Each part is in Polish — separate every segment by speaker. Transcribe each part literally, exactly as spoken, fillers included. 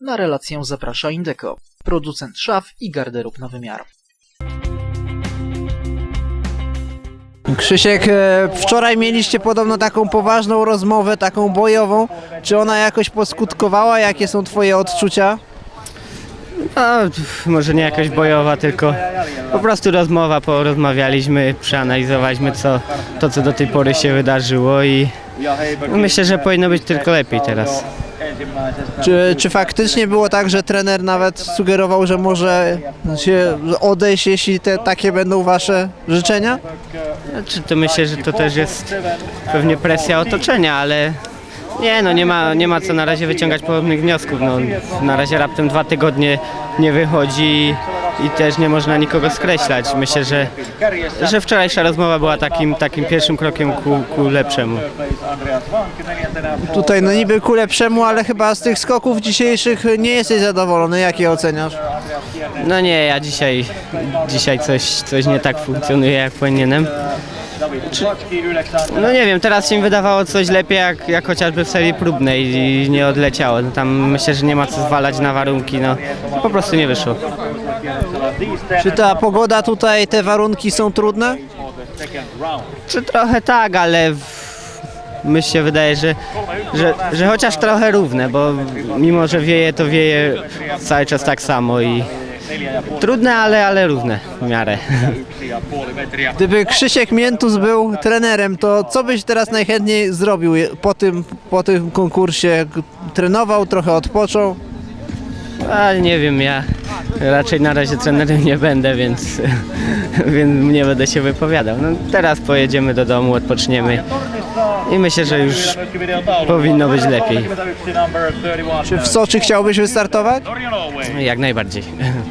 Speaker 1: Na relację zaprasza Indeco, producent szaf i garderób na wymiar.
Speaker 2: Krzysiek, wczoraj mieliście podobno taką poważną rozmowę, taką bojową. Czy ona jakoś poskutkowała? Jakie są twoje odczucia?
Speaker 3: No, może nie jakaś bojowa, tylko po prostu rozmowa, porozmawialiśmy, przeanalizowaliśmy co, to, co do tej pory się wydarzyło i myślę, że powinno być tylko lepiej teraz.
Speaker 2: Czy, czy faktycznie było tak, że trener nawet sugerował, że może się odejść, jeśli te takie będą wasze życzenia?
Speaker 3: Znaczy, to myślę, że to też jest pewnie presja otoczenia, ale nie, no nie ma, nie ma co na razie wyciągać podobnych wniosków. No, na razie raptem dwa tygodnie nie wychodzi i też nie można nikogo skreślać. Myślę, że, że wczorajsza rozmowa była takim, takim pierwszym krokiem ku, ku lepszemu.
Speaker 2: Tutaj no niby ku lepszemu, ale chyba z tych skoków dzisiejszych nie jesteś zadowolony. Jak je oceniasz?
Speaker 3: No nie, ja dzisiaj, dzisiaj coś, coś nie tak funkcjonuje, jak powinienem. Czy, no nie wiem, teraz się mi wydawało coś lepiej jak, jak chociażby w serii próbnej i nie odleciało. No tam myślę, że nie ma co zwalać na warunki, no po prostu nie wyszło.
Speaker 2: Czy ta pogoda tutaj, te warunki są trudne?
Speaker 3: Czy trochę tak, ale w, mi się wydaje, że, że, że chociaż trochę równe, bo mimo, że wieje, to wieje cały czas tak samo i trudne, ale, ale równe w miarę.
Speaker 2: Gdyby Krzysiek Miętus był trenerem, to co byś teraz najchętniej zrobił po tym, po tym konkursie? Trenował, trochę odpoczął?
Speaker 3: Ale nie wiem, ja raczej na razie trenerem nie będę, więc, więc nie będę się wypowiadał. No, teraz pojedziemy do domu, odpoczniemy i myślę, że już powinno być lepiej.
Speaker 2: Czy w Soczi chciałbyś wystartować?
Speaker 3: Jak najbardziej.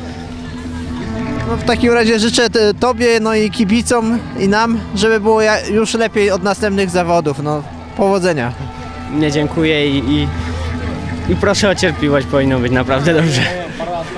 Speaker 2: No w takim razie życzę t- Tobie, no i kibicom i nam, żeby było ja- już lepiej od następnych zawodów. No, powodzenia.
Speaker 3: Nie dziękuję i, i, i proszę o cierpliwość, powinno być naprawdę dobrze.